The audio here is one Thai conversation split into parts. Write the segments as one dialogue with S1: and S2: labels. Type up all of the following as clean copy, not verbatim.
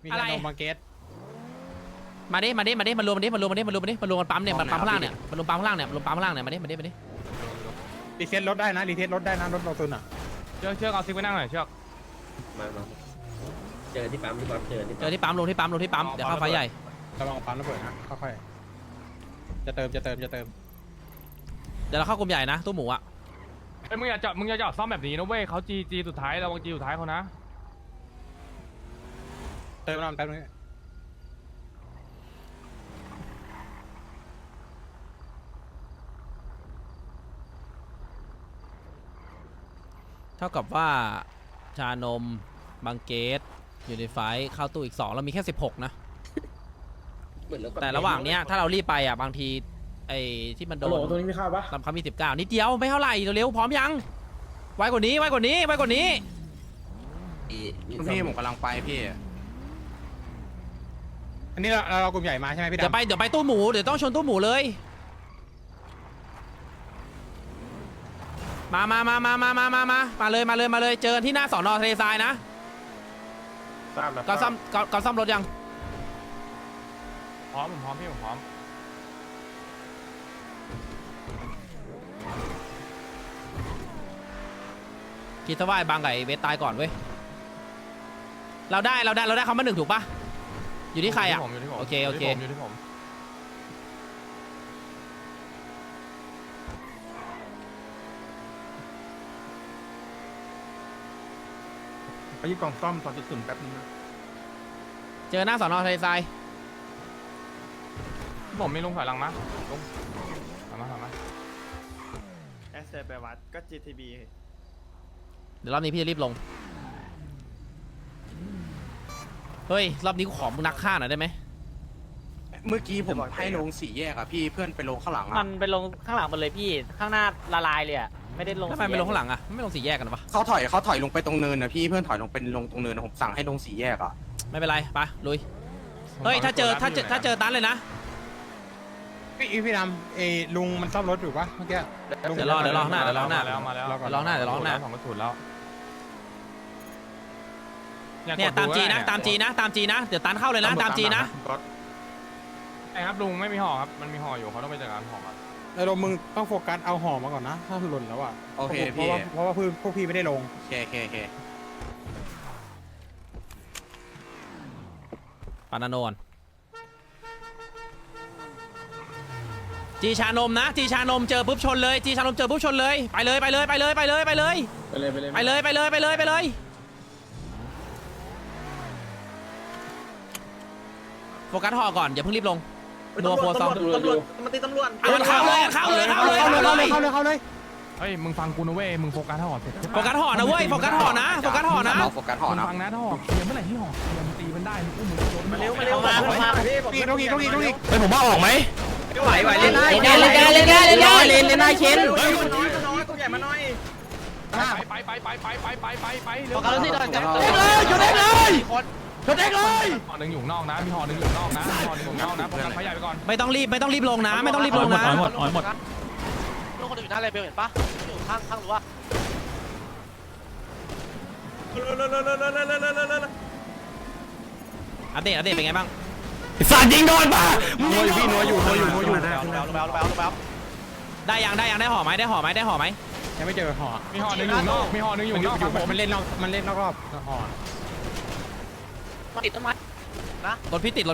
S1: มีอะไรมาเกต
S2: มาดิมารวมกันปั๊มเนี่ยมันปั๊มข้างล่างเนี่ยมันรวมปั๊มข้างล่างเนี่ยมาดิ
S1: รีเซ็ตรถได้นะรถเราตุนอ่ะ
S3: เชือกเอาซิกไว้นั่งหน่อยเชือก
S4: มาเจอที่ปั๊มเจอ
S2: ที่ปั๊มลงที่ปั๊มเดี๋ยวเข้าไฟใหญ่
S1: ระวังปั๊มระเบิดนะค่อยๆจะเติมเดี๋
S2: ยวเราเข้ากลุ่มใหญ่นะตู้หมูอ่ะ
S3: ไอ้มึงอย่าจอดซ่อมแบบนี้นะเว้ยเขาจีสุดท้ายระวังจีสุดท้ายเขานะ
S1: เติมน้ำแป๊บนึง
S2: เท่ากับว่าชานมบางเกตอยู่ในไฟเข้าตู้อีก2เรามีแค่16นะแต่ระหว่างเนี้ยถ้าเรารีบไปอ่ะบางทีไอ้ที่มันโดน
S5: ตัวนี้ไม่เข้าปะ
S2: ลำคำมี19นิดเดียวไม่เท่าไหร่เร็วๆพร้อมยังไวกว่านี้
S6: พี่ผมกำลังไปพี่
S1: อันนี้เรากลุ่มใหญ่มาใช่ไหมพี่ดำ
S2: เดี๋ยวไปตู้หมูเดี๋ยวต้องชนตู้หมูเลยมาเลยเจอที่หน้าสอนอทะเลทรายนะก็ซ่อมรถยัง
S3: พร้อมผมพร้อมพี่ผมพร้อม
S2: คิดซะว่าไอ้บางไก่เวทตายก่อนเว้ยเราได้เขามา1ถูกปะอยู่ที่ใครอ่ะโอเค
S3: อยู่ที่ผม
S6: ไปยึดกล่องซ่อม2.0แป๊บนึงนะ
S2: เจอหน้าสอนอทะเลทราย
S3: ผมไม่ลงถอยหลังมาลงถอยมา
S5: แอสเซอร์ไปวัดก็ GTB
S2: เดี๋ยวรอบนี้พี่จะรีบลงเฮ้ยรอบนี้กูขอมึงนักฆ่าหน่อยได้ไหม
S6: เมื่อกี้ผมให้ลง4 แยกอะพี่เพื่อนไปลงข้างหลัง
S7: มันไปลงข้างหลังหมดเลยพี่ข้างหน้าละลายเลยอะไม่ได้ลง
S2: ทำไมไปลงข้างหลังอะไม่ลง4 แยกกันปะ
S6: เขาถอยลงไปตรงเนินนะพี่เพื่อนถอยลงเป็นลงตรงเนินนะผมสั่งให้ลง4 แยกอะ
S2: ไม่เป็นไรไปลุยเฮ้ยถ้าเจอตันเลยนะ
S1: พี่ดำลุงมันซ่อมรถอยู่ปะเมื่อกี้
S2: เดี๋ยวรอหน้า
S3: มาแล้วของกระสุนแล้ว
S2: เนี่ยตามจีนะเดี๋ยวตันเข้าเลยนะตามจีนะ
S3: ไอ้ครับลุงไม่มีห่อครับมันมีห่ออยู่เขาต้องไปจัดการห่อมา
S1: แต่เรามึงต้องโฟกัสเอาห่อมาก่อนนะถ้าหล่นแล้วอ่ะ
S6: โอเคพี่
S1: เพราะว่าพวกพี่ไม่ได้ลง
S6: โอเค
S2: ปานาโนนจีชานมนะจีชานมเจอปุ๊บชนเลยจีชานมเจอปุ๊บชนเลยไปเลยโฟกัสห่อก่อนอย่าเพิ่งรีบลงนัวโฟซอง
S5: มันตีตำรวจ
S2: เข้าเลย
S3: เฮ้ยมึงฟังกูนะเว้ยมึงโฟกัสห่อเสร็จ
S2: โฟกัสห่อนะเว้ยโฟกัสห่อนะ
S6: โฟกัสห่อนะ
S3: ฟังนะถ้าห่อเคลียร์เมื่อไหร่ที่ห่อเคลียร์มันตีมันได้มึงโดน
S5: มาเร็วพี่
S1: ต้องอีก
S2: เฮ้ยผมว่าออกไหม
S5: ไหวเล่นได้
S2: เล่นได้เชน
S5: ตัวใหญ่มาหน่อย
S3: ไป
S5: เร็วกันที่เดินกัน
S2: ชนเด็กเลย
S3: ห่อหนึ่งอยู่นอกนะมีห่อหนึ่งอยู่นอกนะโฟกัสไฟใหญ่ไปก่อน
S2: ไม่ต้องรีบลงนะหมด
S7: ลงคนอื่นหน้าเลเบลเห็นปะอยู่ข้างหรือว่า
S2: อัปเดตเป็นไงบ้าง
S6: สัตว์ยิงโดนป่ะ
S1: นัวอยู่
S2: ได้ยังได้ห่อไหม
S1: ยังไม่เจอห่อ
S3: มีห่อหนึ่งอยู่นอก
S1: มันเล่นนอกรอบห่อ
S7: มาติดต้นไม้นะ
S2: รถพี่ติด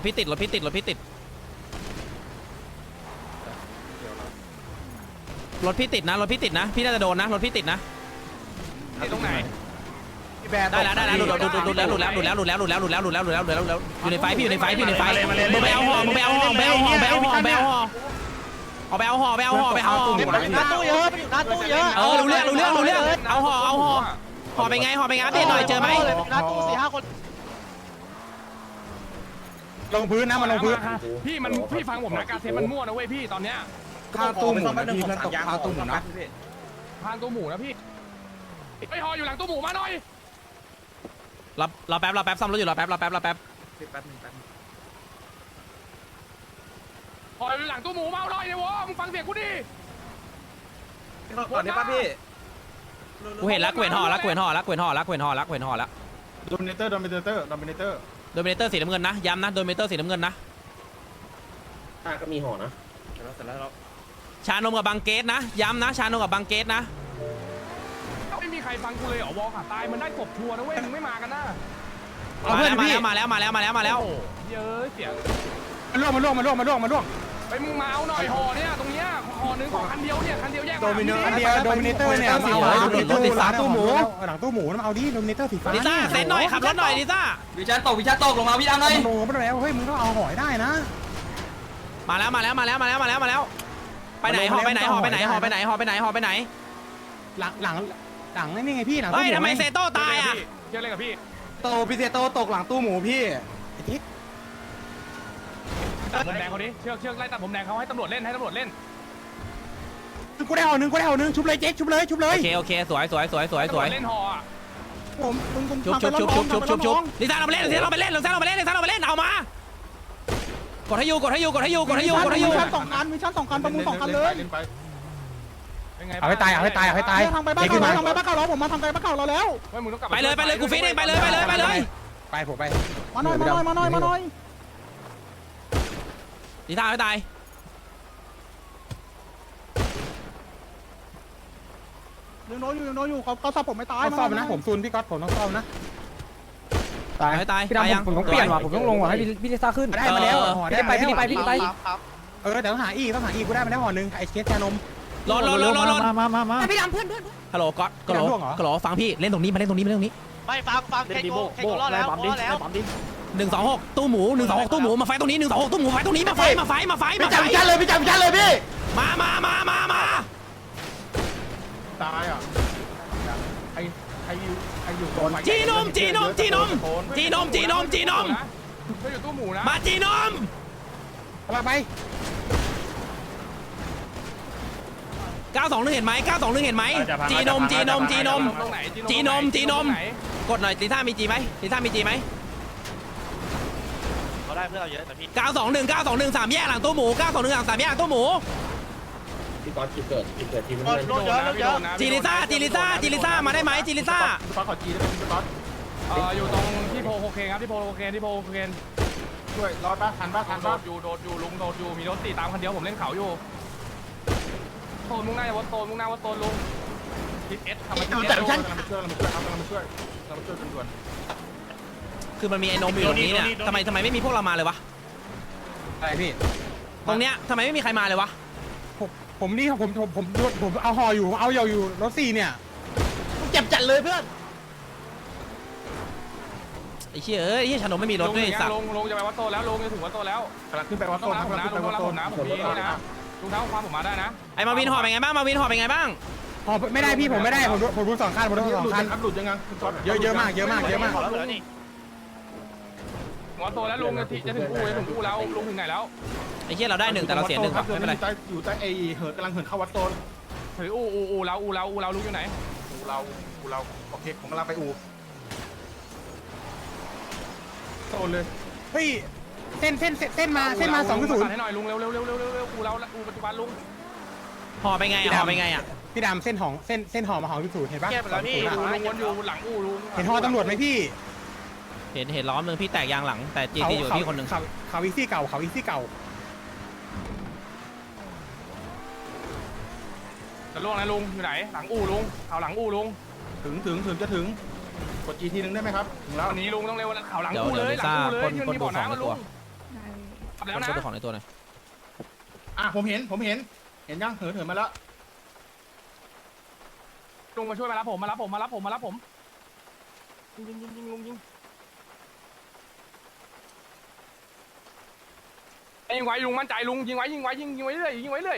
S2: นะพี่น่าจะโดนนะรถพี่ติดนะ
S3: ตรงไหน
S2: ได้แล้วหลุดแล้วอยู่ในไฟมึงไปเอาห่อไปเอาห่อ
S5: หน้าตู้เยอะ
S2: รู้เรื่องเอาห่อไปไงอัปเดตหน่อยเจอไหม
S5: หน้าตู้4-5 คน
S1: ลงพื้นนะมันลงพื้น
S3: พี่ฟังผมนะการเซฟมันมั่วนะเว้ยพี่ตอนเนี้ย
S6: ข้าวตู้หมูนะพี่เพื่อนตกข้าวตู้หมูนะ
S3: ทางตู้หมูนะพี่ไปห่ออยู่หลังตู้หมูมาหน่อย
S2: รอแป๊บซ่อมรถอยู่รอแป๊บ
S3: ห่ออยู่หลังตู้หมูมาหน่อยเนี่ยวะมึงฟังเสียงกูดิ
S5: ก่อนได้ป่ะพี่
S2: กูเห็นแล้วกูเห็นห่อแล้ว
S6: โดมิเนเตอร์
S2: โดมิเนเตอร์สีน้ำเงินนะย้ำนะโดมิเนเตอร์สีน้ำเงินนะ
S4: ถ้าก็มีห่อนะ
S2: ชานมกับบางเกตนะย้ำนะชานมกับบางเกตนะ
S3: ไม่มีใครฟังกูเลยเหรอวอลขาตายมันได้กบชัวร์นะเว้ยมึงไม่มากันนะ
S1: เอาเพื่อนพี่
S2: มาแล้ว
S3: โอ้เยอะเสียง
S1: มาล่วง
S3: ไปมึงมาเอาหน่อยห่อเนี่ยตรงเนี้ยห่อนึงของคันเดียวเนี่ยคันเดียวแยก
S1: โดมิเนเตอร์เนี่ยมาเอาหลังตู้หมูหลังตู้หมูมาเอาดิโดมิเนเตอร์สีฟ้า
S2: ลิซ่าเซ็นหน่อยขับรถหน่อยลิซ่า
S5: วิชาตกลงมาพี่ดำเลย
S1: โลมาแล้วเฮ้ยมึงต้องเอาหอยได้นะ
S2: มาแล้วไปไหนห่อไปไหน
S1: หลังนี่ไงพี่หลัง
S2: เฮ้ยทำไมเซโต้ตายอ่ะ
S3: เชื่ออะไรกับพี่
S6: โตพี่เซโตตกหลังตู้หมูพี่
S3: ตัดผมแดงเขาดิเชือกไล่ตัดผมแดงเขาให้ตำรวจเล่น
S1: กูได้ห่อหนึ่งชุบเลยเจ๊ชุบเลย
S2: โอเคสวย
S3: เล่นห่ออ่ะ
S1: ผมมึง
S2: ชุบลิซ่าเราไปเล่นเอามากดให้อยู่
S1: มีชั้น2คันประมูล2คันเลย
S3: เป็นไง
S1: เอาให้ตาย
S5: ทางไปบ้านเก่าเราผมมาทางไปบ้านเก่าเราแล้ว
S3: เฮ้ยมึงต้องกลับ
S2: ไปเลยกูฟิตเองไปเลย
S1: ไปผมไป
S5: มาหน่อย
S2: ลิซ่าไม่ตาย
S5: ยังโดนอยู่เขาซับผมไม่ตาย
S1: ต้องซ่อมนะผมซูนพี่ก๊อตผมต้องซ่อมนะ
S2: ไม่ตายยัง
S1: ผมต้องเปลี่ยนว่ะผมต้องลงว่ะให้พี่ลิซ่าขึ้นได้มาแล้วห่อได้ไปแต่ต้องหาอีกกูได้มาแล้วห่อหนึ่งไอ้เคสแกนม
S2: รอมา
S5: พี่ดำเพื่อน
S2: ฮัลโหลก๊อตกะโหลฟังพี่เล่นตรงนี้มาเล่นตรงนี้
S5: ไม่ฟังแค่โกรอดแล้ว
S2: 126ตู้หมูมาไฟตรงนี้126ตู้หมูไฟตรงนี้มาไฟ
S6: พี่จับชันเลยพี่
S2: มา
S3: ตายอ่ะไออยู่
S2: จีนม
S3: ก็อยู่ตู้หมูนะ
S2: มาจีนม
S1: มาไป
S2: 921เห็นไหมจีนมกดหน่อยลิซ่ามีจีไหม
S5: เขาได้เพื่อนเราเยอะแต่พี่
S2: 921 3แยกหลังตู้หมู921 3แยกหลังตู้หมู
S4: พี่ก๊อตจุดเกิดทีมน้ำเงิน
S5: โดนเยอะ
S2: จีลิซ่ามาได้ไหมจีลิซ่า
S3: อยู่ตรงที่โพโคเคนครับที่โพโคเคนช่วยรอดป่ะทันป่ะโดดอยู่ลุงโดดอยู่มีรถตีตามคันเดียวผมเล่นเขาอยู่โซนมุ่งหน้าวัดโซนลุงทิศเอสทำมาทิศเอสเรามาช่วยด่วน
S2: คือมันมีไอ้นมอยู่ตรงนี้เนี่ยทำไมไม่มีพวกเรามาเลยวะ
S1: อะไรพี่
S2: ตรงเนี้ยทำไมไม่มีใครมาเลยวะ
S1: ผมเอาห่ออยู่เอาอยู่รถ4เนี่ย
S5: เจ็บจัดเลยเพื่อน
S2: ไอ้เชี่ยชานมไม่มีรถด้วยสัตว์
S3: ลงจะไปวัดโตแล้วลงจะถึงวัดโตแล้วกำลังขึ้นไปวัดโตนะผมมีนี่นะลุงเท้าความผมมาได้นะ
S2: ไอ้มาวินห่อเป็นไงบ้าง
S1: ห่อไม่ได้พี่ผมไม่ได้ผมดู2คันหลุดยังไงเยอะมาก
S3: วัดโตแล้วลุงจะถึงกูแล้วลุงถึงไหนแล้ว
S2: ไอ้เชี่ยเราได้1แต่เราเสีย1ไม่เป็นไร
S6: อยู่ใต้ไอเหินกำลังเหินเข้าวัดโตน
S3: ถืออูเราลุงอยู่ไหน
S6: เราโอเคผมกำลังไปอูโตนเลย
S1: เฮ้ยเส้นมา2.0
S3: ให้หน่อยลุงเร็วอูปัจจุบันลุง
S2: ห่อไปไงอ่ะ
S1: พี่ดำเส้นห่อมาห่อ2.0เห็นปะ
S5: แก้ไปแล้วพี่
S3: ลุงวนอยู่หลังอูลุง
S1: เห็นห่อตำรวจไหมพี่
S2: เห็นล้อมนึงพี่แตกยางหลังแต่จีอยู่พี่คนหนึ่ง
S1: เขาอีซี่เก่า
S3: จะล่วงนะลุงอยู่ไหนหลังอูลุงเขาหลังอูลุง
S6: ถึงจะถึงกดจีทีนึงได้ไหมครับถึงแล้ว
S3: วันนี้ลุงต้องเร็วเขาหลังอูเลยที่มันมีบ่อน้ำลุงแล้วนะ
S2: ดูของในตัวหน่อย
S6: ผมเห็นยังเหินมาแล้ว
S3: ลุงมาช่วยมารับผมยิงลุงยิงยิงไว้ลุงมั่นใจลุงยิงไว้เรื่อย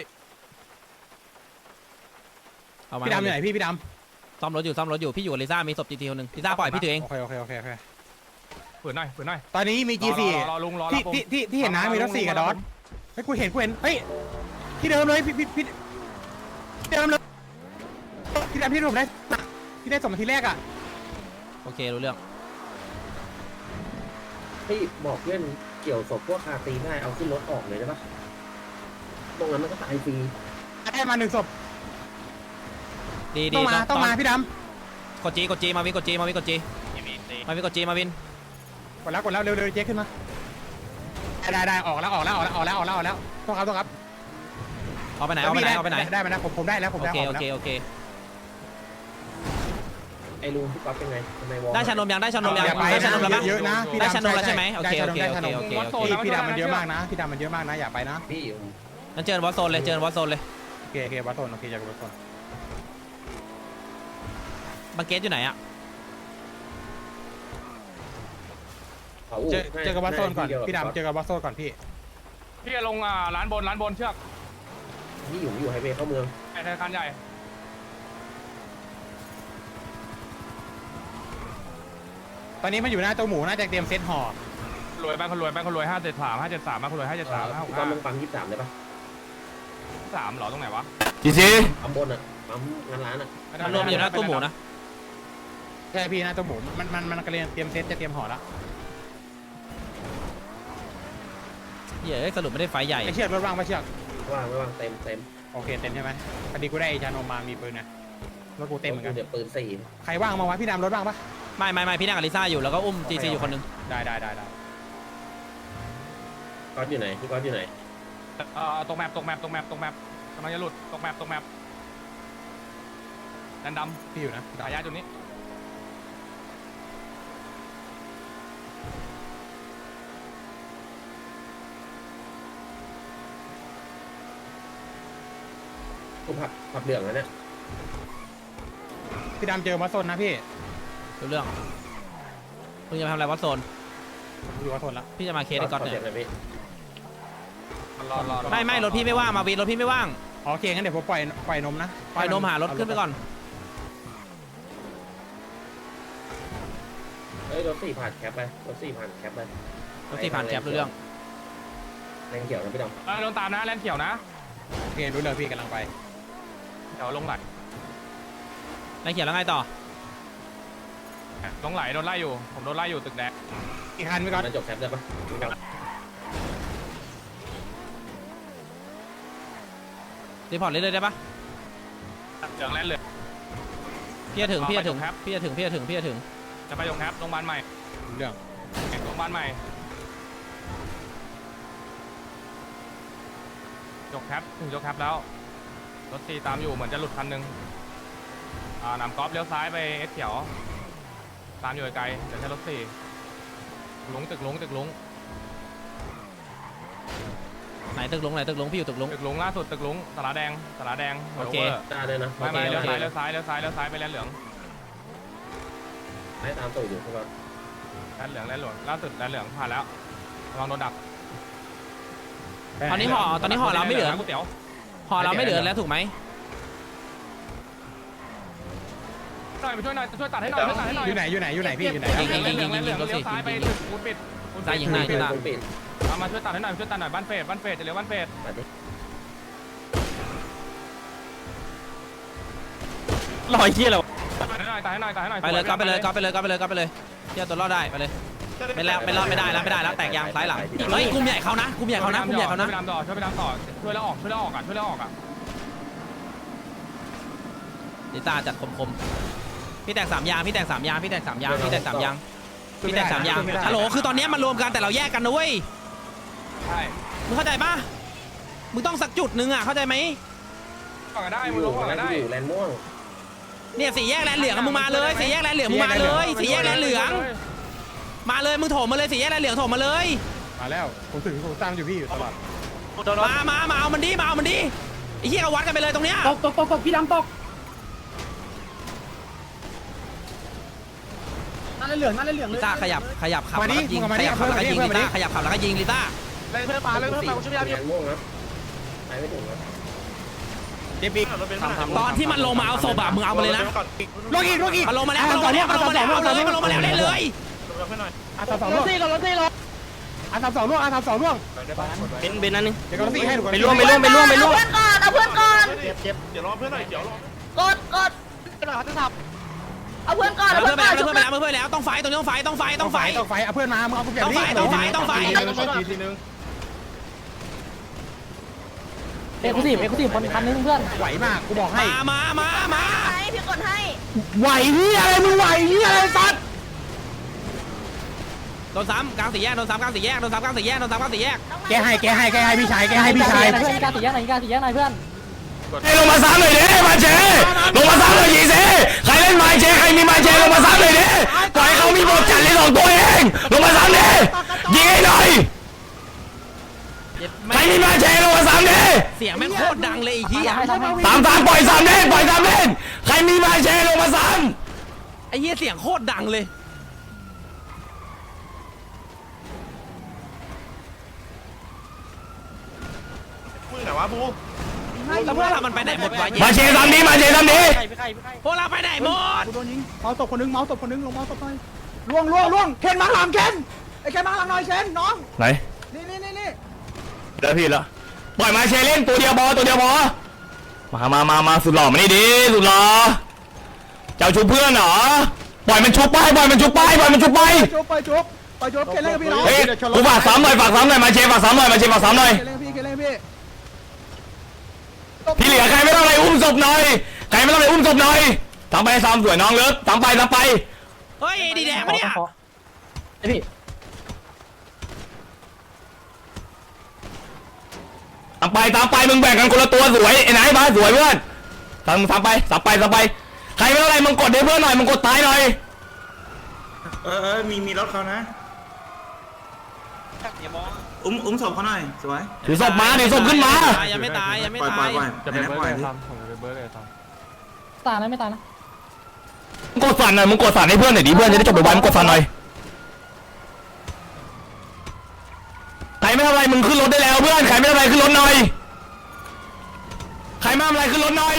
S2: เอามา
S1: พี่ดำอยู่ไหนพี่ดำ
S2: ซ่อมรถอยู่พี่อยู่กับลิซ่ามีศพจีทีคนหนึ่งลิซ่าปล่อยพี่ตัวเอง
S1: โอเค
S3: ฝืนหน่อย
S1: ตอนนี้มี G4
S3: รอลุงรอ
S1: ที่เห็นนะมีรถ4กับดอทเฮ้ยกูเห็นเฮ้ยที่เดิมเลยพี่เดิมเลยพี่ดำที่ผมได้ที่ได้ส่งมาทีแรกอ่ะ
S2: โอเครู้เรื่อง
S4: ให้บอกเพื่อนเกี่ยวศพพวกคาตีได้เอาขึ้นรถออกเลยได้ปะตรงนั้นมันก็ตายฟรี
S1: ได้มา1ศพ
S2: ดี
S1: ต้องมาพี่ด
S2: กดจีมาวินกดจีมาวิน
S1: กดแล้วเร็วเจ๊ขึ้นมาได้ออกแล้วต้องครับ
S2: เอาไปไหน
S1: ได้ไหมนะผมได้แล้วผม
S2: โอ
S1: ได้
S2: เค
S1: ออก
S2: โอ
S1: แล้ว
S2: เคโอเค
S4: ไอ้ลุงพี่ก๊อฟเป็นไงทำไมวอล
S2: ได้ชานมยังได้ชานมยัง
S1: อย่าไป
S2: ได้ชานมแล้วปะ
S1: เยอะนะ
S2: ได้ชานมแล้วใช่ไหมโอเค
S1: ได้ชานม พี่ดำมันเยอะมากนะอย่าไปนะ
S4: พี่
S2: งั้นเจอวอสโซนเลย
S1: โอเควัดโซนโอเคจากวัดโซน
S2: บังเกตอยู่ไหนอะ
S1: เจอกับวัดโซนก่อนพี่ดำเจอกับวัดโซนก่อนพี่
S3: พี่จะลงร้านบนเชือก
S4: พี่อยู่ไฮเวย์เข้าเมือง
S3: ไอ้ธนาคารใหญ่
S1: ตอนนี้มันอยู่หน้าเจ้าหมูน่าจะเตรียมเซตห่อ
S3: รวยแบงค์คนรวย573บ้างคนรวย573
S4: พี่ก๊อฟลงปั๊ม23ได้ปะ
S3: 3หรอตรงไหนวะ
S4: ปั๊มบนอ่ะปั๊มงานร้านอ่ะ
S2: ชานมอยู่หน้าตู้หมูนะ
S1: ใช่พี่หน้าเจ้าหมูมันกำลังเตรียมเซตจะเตรียมห่อแล้ว
S2: เฮ้ยสรุปไม่ได้ไฟใหญ่
S1: ไอเชือกรถว่างปะเชือก
S4: ว่างเต็ม
S1: โอเคเต็มใช่ไหมพอดีกูได้ชานมมามีปืนนะรถกูเต็มเหมือนกัน
S4: เดี๋ยวปืน4
S1: ใครว่างมาวะพี่ดำรถว่างปะ
S2: ไม่พี่นั่งกับลิซ่าอยู่แล้วก็อุ้มจีซีอยู่คนนึง
S1: ได้
S4: ก๊อฟอยู่ไหนพี่ก๊อฟอยู่ไหน
S3: ตกแมปกำลังจะหลุดตกแมปดันดำ
S1: พี่อยู่นะ
S3: สายยาจุดนี้
S4: กูผับเหลืองแล้วเนี่ย
S1: พี่ดำเจอวัดโซนนะพี่
S2: รู้เรื่องมึงจะมาทำอะไรวอสโซน
S1: อยู่วัดโซนแล้ว
S2: พี่จะมาเคสไอ้ก๊อตเนี่ย
S3: รอ
S2: ไม่รถพี่ไม่ว่างมาวีรถพี่ไม่ว่าง
S1: โอเคงั้นเดี๋ยวผมปล่อยนมนะ
S2: ปล่อยนมหารถขึ้นไปก่อน
S4: เฮ้ยรถ4ผ่านแคปไปรถ4ผ่านแคปไป
S2: รถที่ผ่านแคปรู้เรื่อง
S4: แรงเขียวนะพี่ดำ
S3: โดนตามนะแลนเขียวนะ
S1: โอเครู้เลยพี่กำลังไป
S3: เดี๋ยวลงไหล
S2: นายเขียนแล้วไงต่อ
S3: ลงไหลโดนไล่อยู่ผมโดนไล่อยู่ตึกแดง
S1: อีกคันพี่ก๊อต
S4: มันจบแคปได้ปะพี่ก๊อฟ
S2: รีพอร์ตเลยได้ปะ
S3: เหลืองแลนเหลือง
S2: พี่จะถึง
S3: ครับ
S2: จะถึง
S3: จะไปยงแคปโรงพยาบาลใหม่
S1: รู้เรื่อง
S3: โรงพยาบาลใหม่ยกแคปถึงยกแคปแล้วรถตีตามอยู่เหมือนจะหลุดคันนึงนำกอล์ฟเลี้ยวซ้ายไปเอสเขียวตามอยู่ไกลเดี๋ยวใช้รถสี่ตึกลุง
S2: ไหนตึกลุงพี่อยู่ตึกลุง
S3: ตึกลุงล่าสุดตึกลุงสาราแดง
S2: โอเค
S4: ตาเลยนะ
S3: ไม่เลี้ยวซ้ายไปแลนเหลือง
S4: ให้ตามตู่อยู่พี่ก๊อฟ
S3: แลนเหลืองล่าสุดแลนเหลืองผ่านแล้วระวังโดนดัก
S2: ตอนนี้ห่อเราไม่เหลือ
S3: ก๋วยเตี๋ยว
S2: ห่อเราไม่เหลือแล้วถูกไหม
S3: หน่อยไปช่วยหน่อยช่วยตัดให้หน่อย
S1: อยู่ไหนพี่อยู่ไหน
S3: แลนเหลืองเลี้ยวซ้ายไปตึกปูนปิด
S2: ซ้ายยิงหน้า
S4: ปิด
S2: ตา
S4: ปิด
S3: มาช่วยตัดให้หน่อยบ้านเฟสจะเลี้ยวบ้านเฟส
S4: ปัดดิ
S2: ลอยเชี่ยแล้ว
S3: ตัดให้หน่อย
S2: ไปเลยก็ไปเลยเที่ยวตัวรอดได้ไปเลยไม่ได้แล้วแตกยางซ้ายหลังเฮ้ยกลุ่มใหญ่เขานะ
S3: ช่วยไปดำต่อช่วยแล้วออกอ่ะ
S2: ลิต้าจัดคมพี่แตก3 ยางฮัลโหลคือตอนนี้มันรวมกันแต่เราแยกกันนะเว้ย
S3: ใช่
S2: มึงเข้าใจปะมึงต้องสักจุดนึงอ่ะเข้าใจไหม
S3: ก่อนได้มึงลงก่อนได้
S4: อยู่แลนม่วง
S2: เนี่ย4 แยกแลนเหลืองมึงมาเลย4 แยกแลนเหลืองมึงมาเลย4 แยกแลนเหลืองมาเลยมึงโถมมาเลย4 แยกแลนเหลืองโถมมาเลย
S1: มาแล้วผมตามอยู่พี่อยู่ตลอด
S2: มาเอามันดิไอ้เหี้ยเอาวัดกันไปเลยตรงเนี้ย
S5: ตกพี่ดำตกนั่นเลยเหลืองเลย
S2: ลิต้าขยับขับแล้วก็ยิงลิต้าขยับขับแล้วก็ยิงลิต้า
S4: แลนม่วงนะไปไม่ถึงนะ
S1: เจ็บอีก
S2: ตอนที่มันลงมาเอาศพอะมึงเอามาเลยนะ
S1: ลงอีก
S2: มันลงมาแล้วเล่นเลย
S1: อาสาม2 ล่วงอาสาม2 ล่วง
S2: เป็นนั่นนึง
S1: เดี๋ยวก็4ให้หนู
S2: ไปร่วม
S8: เอาเพื่อนก่อน
S6: เดี๋ยวรอเพื่อนหน่อยเดี๋ยวรอก
S8: ดเอาเพื่อนก่อน
S2: เพื่อนไปแล้วต้องไฟตรงนี้ต้องไฟ
S1: เอาเพื่อนมามึงเอากูเปลี่ยน
S2: ต้องไฟ
S6: ทีนึง
S5: เอ็กซ์คลูซีฟคนคันนึงเพื่อน
S1: ไหวมากกูบอกให้
S2: มา
S8: ให้พี่กดให้
S1: ไหวนี่อะไรมึงไหวนี่อะไรสัตว์
S2: โดนซ้ำกลางสี่แยกโดนซ้ำกลางสี่แยกโดนซ้ำกลางสี่แยกโดนซ้ำกลางสี่แยก
S1: แกให้พี่ชายพี่ชาย
S5: การสีแยกหน่อยการสีแยกหน่อยเพื่อน
S9: ลงมาซ้ำหน่อยดิมาเชลงมาซ้ำหน่อยยิงสิใครเล่นไม้เชใครมีไม้เชลงมาซ้ำหน่อยดิปล่อยเขามีบทจัดเลย2ตัวเองลงมาซ้ำดิยิงให้หน่อยใครมีไม้เชลงมาซ้ำดิ
S2: เสียงแม่งโคตรดังเลยไอ้เหี้ย
S9: 3-3ปล่อยซ้ำเล่นปล่อยซ้ำเล่นใครมีไม้เชลงมาซ้
S2: ไอ้เหี้ยเสียงโคตรดังเลย
S3: แต่ว่าบู
S2: แล้วพวกเรามันไปไหนหมดวะ
S9: ำมาเชซ้ำดิมาเชซ้ำดิ
S2: พวกเราไปไหนหมด
S5: กูโดนยิงเมาส์ตบคนนึงเมาส์ตบคนนึงลงเมาส์ตบหน่อยล่วงเคนมาหลังเคนไอ้เคนมาหลังหน่อยเคนน้อง
S9: ไหน
S5: นี่
S9: เดี๋ยวพี่ละปล่อยมาเชเล่นตัวเดียวพอมาสุดหล่อมานี่ดิสุดหล่อเจ้าชุบเพื่อนเหรอปล่อยมันชุบไปปล่อยมันชุบไปปล่อยมันชุบไป
S5: จุ๊บเคนเล่นกับพี่น้อง
S9: เฮ้ยกูฝากซ้ำหน่อยมาเชฝากซ้ำหน่อยมาเชฝากซ้ำหน่อย
S5: เคนเล่นพี่
S9: ที่เหลือใครไม่ต้องอะไรอุ้มศพหน่อยใครไม่ต้องอะไรอุ้มศพหน่อยทำไปซ้ำสวยน้องเลิศทำไป
S2: เฮ้ยดีแดงปะเนี่ย
S9: ตามไปมึงแบ่งกันคนละตัวสวยไอ้ไหนมาสวยเพื่อนทำไปใครไม่ต้องอะไรมึงกดให้เพื่อนหน่อยมึงกดตายหน่อย
S6: มีรถเขานะอุ้มศพเขาหน่อยสวย
S9: ถือศพขึ้นมา
S2: ยังไม่ตาย
S3: จะเป็นเบิร์ดเลยทำผมจะเป็นเบิร์ดเลยทำ
S5: ตายนะไม่ตายนะ
S9: มึงกดสั่นหน่อยมึงกดสั่นให้เพื่อนหน่อยดิเพื่อนจะได้จบไปไวมึงกดสั่นหน่อยใครไม่ทำอะไรมึงขึ้นรถได้แล้วเพื่อนใครไม่ทำอะไรขึ้นรถหน่อยใครไม่ทำอะไรขึ้นรถหน่อย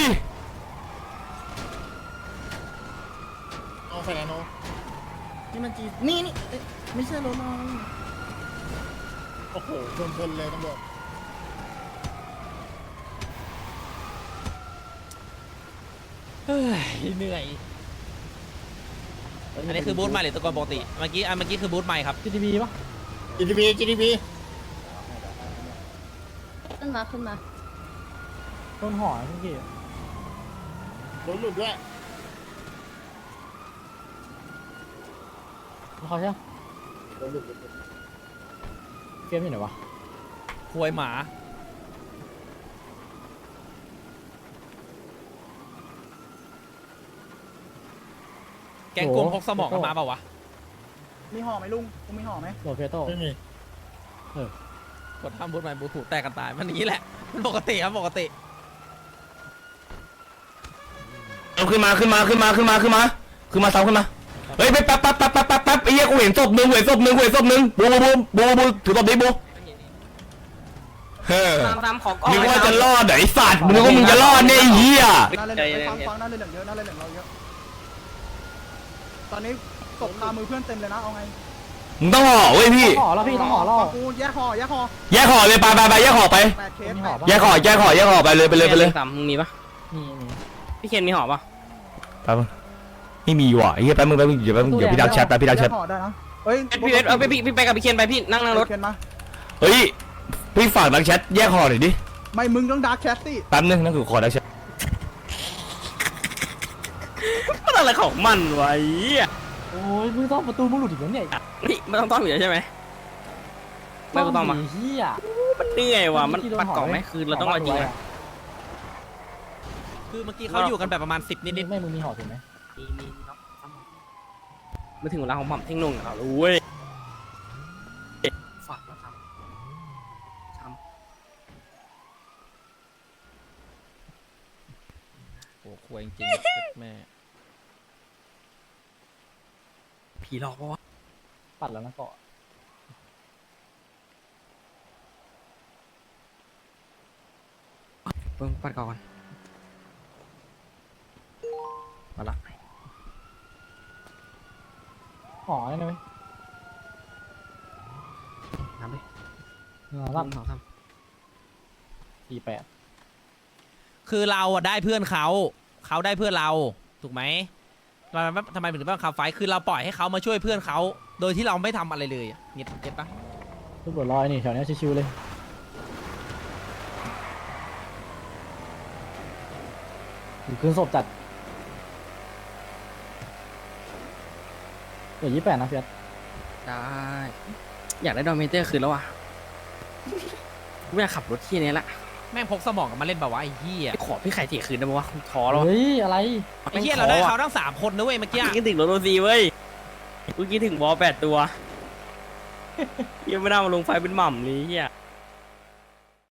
S5: เอาแฟนโนนี่มันจีนี่ไม่ใช่รถน้องโอ้โหโดนชนเลยตำรวจ
S2: เฮ้ยเหนื่อยอันนี้คือบูธใหม่หรือตะกอนปกติเมื่อกี้คือบูธใหม่ครับ
S5: GTB ปะ GTB
S8: ขึ้นมา
S5: โดนห่อเมื่อกี้โดนหลุดด้วยเขาใช่โดนหลุดเกมอยู่ไหนวะ
S2: ควยหมาแกงกลมพกสมองกันมาเปล่าวะ
S5: มีห่อไหมลุงกูมีห่อไหมโดนเฟโต้ไม่มี
S2: กดทำบูธใหม่บูธถูกแตกกันตายมันอย่างนี้แหละมันปกติครับปกติ
S9: เอาขึ้นมาซ้ำขึ้นมาเฮ้ยไปแป๊บไอ้เหี้ยกูเห็นศพหนึ่งบูถือศพดิบูเฮ้ย
S7: ตามของก่อน
S9: นึกว่าจะรอดไอ้สัตว์นึกว่ามึงจะรอดเนี่ยไอ้เหี้ย
S5: ฟังน่าเล่นเหลืองเยอะน่าเล่นเหลืองเราเยอะตอนนี้ตกคามือเพื่อนเต็มเลยนะเอาไง
S9: มึงต้องห่อเว้ยพี่
S5: ห่อแล้วพี่ต้องห่อแล้วกูแยกห่อ
S9: แยกห่อเลยไปแยกห่อไป
S5: 8 เคส
S9: แยกห่อไปเลย
S7: ตามมึงมีปะพี่เคนมีหอปะ
S9: ไปมึงไม่มีว่ะไอ้เหี้ยแป๊บมึงเดี๋ยวพี่ดักแชท
S5: ห่อได้นะเฮ้ย
S7: พี่เวทพี่ไปกับพี่เคนไปพี่นั่งรถ
S5: เคนมา
S9: เฮ้ยพี่ฝากดักแชทแยกห่อหน่อยดิ
S5: ไม่มึงต้องดาร์กแชทสิ
S9: แป๊บนึงนั่นคือขอดักแชท
S7: มันอะไรของมันวะ
S5: โอ้ยมึงต้องประตูมึงหลุดอีกแล้วเนี่ย
S7: นี่ไม่ต้องอยู่ใช่ไหมไม่ต้องมา
S5: เฮีย
S7: มันเหนื่อยว่ะมันปัดกล่องไหมคือเราต้องรอจริงอะ
S2: คือเมื่อกี้เขาอยู่กันแบบประมาณ10นิด
S5: ไม่มึงมีห่อถูกไหม
S7: มีมาถึงเวลาของหม่ำเท่งนุ่งแล้วเว้ยฝากแล้วครับ
S2: ๆโอ้ควยจริงๆแม่
S7: ผีหลอกปะวะ
S5: ปัดแล้วนะเกาะ
S7: เพิ่งปัดก่อนมาละ
S5: ห่อได้ไหม
S7: น้ำดิ
S5: รับ
S7: ท
S5: 48
S2: คือเราอะได้เพื่อนเขาได้เพื่อนเราถูกไหมเราทำไมถึงต้องขับไฟคือเราปล่อยให้เขามาช่วยเพื่อนเขาโดยที่เราไม่ทำอะไรเลยเก็ตปะ
S5: ทุกบทลอยนี่แถวนี้ชิวๆเลยอยู่คืนศพจัดเดี๋ยว28นะเฟียส
S7: ได้อยากได้ดอมเมเตอร์คืนแล้วว่ะไม่อยากขับรถที่นี้ละ
S2: แม่งพกสมองกันมาเล่นแบบว่าไอ้เหี้ย
S7: ขอพี่ไข่เถียคืนได้ไหมวะท้อแล้ว
S5: เฮ้ยอะไร
S2: ไอ้เหี้ยเราได้เขาทั้ง3คนนะเว้ยเมื่อกี้
S7: คิดถึงรถโรซีเว้ยกูคิดถึงบอล8 ตัวยังไม่ได้มาลงไฟเป็นหม่ำเลยเฮีย